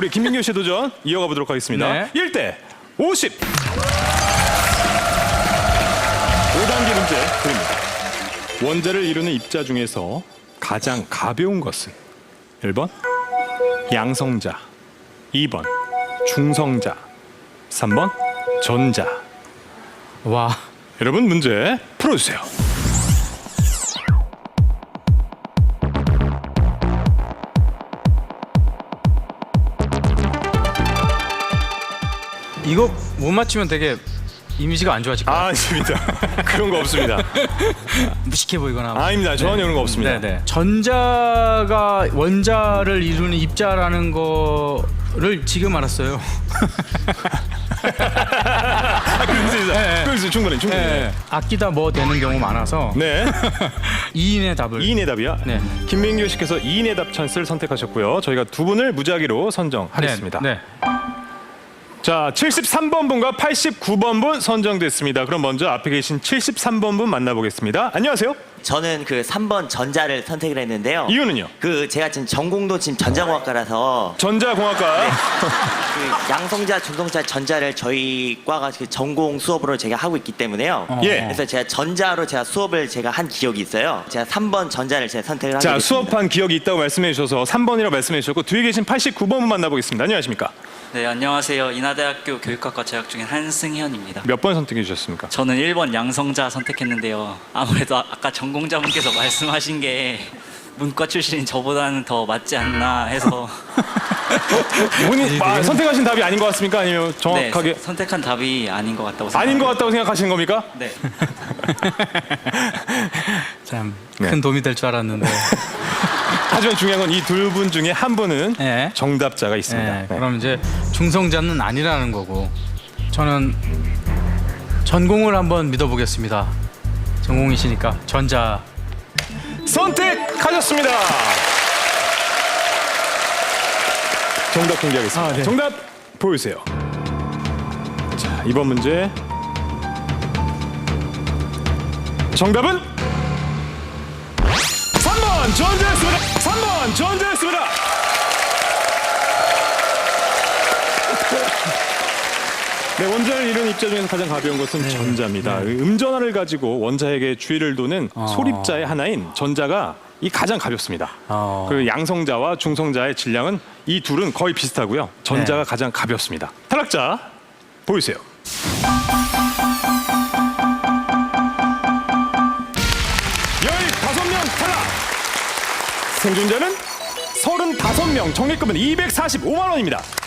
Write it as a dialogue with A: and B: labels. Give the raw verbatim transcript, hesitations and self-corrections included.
A: 우리 김민규 씨 도전 이어가 보도록 하겠습니다.
B: 네.
A: 일 대 오십. 오 단계 문제 드립니다. 원자를 이루는 입자 중에서 가장 가벼운 것은 일 번 양성자, 이 번 중성자, 삼 번 전자.
B: 와.
A: 여러분 문제 풀어주세요.
B: 이거 못 맞추면 되게 이미지가 안 좋아질 것 같아요.
A: 아, 아닙니다. 그런 거 없습니다.
B: 무식해 보이거나.
A: 아닙니다. 전혀 그런 거 없습니다.
B: 네네. 전자가 원자를 이루는 입자라는 거를 지금 알았어요.
A: 아, 그렇습니다.
B: 네.
A: 그렇습니다. 충분히 충분히.
B: 네. 아끼다 뭐 되는 경우 많아서
A: 네.
B: 이 인의 답을.
A: 이 인의 답이요?
B: 네.
A: 김민규 씨께서 이 인의 답 찬스를 선택하셨고요. 저희가 두 분을 무작위로 선정하겠습니다.
B: 네. 네.
A: 자, 칠십삼 번 분과 팔십구 번 분 선정됐습니다. 그럼 먼저 앞에 계신 칠십삼 번 분 만나보겠습니다. 안녕하세요.
C: 저는 그 삼 번 전자를 선택을 했는데요.
A: 이유는요?
C: 그 제가 지금 전공도 지금 전자공학과라서
A: 전자공학과.
C: 그 양성자, 중성자, 전자를 저희 과가 그 전공 수업으로 제가 하고 있기 때문에요.
B: 어.
A: 예.
C: 그래서 제가 전자로 제가 수업을 제가 한 기억이 있어요. 제가 삼 번 전자를 제가 선택을 하게
A: 자,
C: 됐습니다.
A: 수업한 기억이 있다고 말씀해 주셔서 삼 번이라고 말씀해 주셨고 뒤에 계신 팔십구 번 분 만나보겠습니다. 안녕하십니까?
D: 네, 안녕하세요. 인하대학교 교육학과 재학 중인 한승현입니다.
A: 몇 번 선택해 주셨습니까?
D: 저는 일 번 양성자 선택했는데요. 아무래도 아- 아까 전공자분께서 말씀하신 게 문과 출신인 저보다는 더 맞지 않나 해서
A: 본인 아, 선택하신 답이 아닌 것 같습니까? 아니면
D: 네,
A: 정확하게
D: 선- 선택한 답이 아닌 것 같다고 생각합니다.
A: 아닌 것 같다고 생각하시는 겁니까?
D: 네.
B: 참 큰
A: 네.
B: 도움이 될 줄 알았는데.
A: 하지만 중요한 건 이 둘 분 중에 한 분은
B: 네.
A: 정답자가 있습니다.
B: 네.
A: 네.
B: 그럼 이제 중성자는 아니라는 거고. 저는 전공을 한번 믿어보겠습니다. 전공이시니까 전자.
A: 선택하셨습니다. 정답 공개하겠습니다.
B: 아, 네.
A: 정답 보여주세요. 자, 이번 문제 정답은 삼 번 전자였습니다. 삼 번 전자였습니다. 네, 원자를 이루는 입자 중에서 가장 가벼운 것은 전자입니다. 음전하를 가지고 원자에게 주위를 도는
B: 어.
A: 소립자의 하나인 전자가 이 가장 가볍습니다.
B: 어.
A: 그리고 양성자와 중성자의 질량은 이 둘은 거의 비슷하고요. 전자가
B: 네.
A: 가장 가볍습니다. 탈락자 보여주세요. 열다섯 명 탈락. 생존자는 서른다섯 명. 정액금은 이백사십오만 원입니다.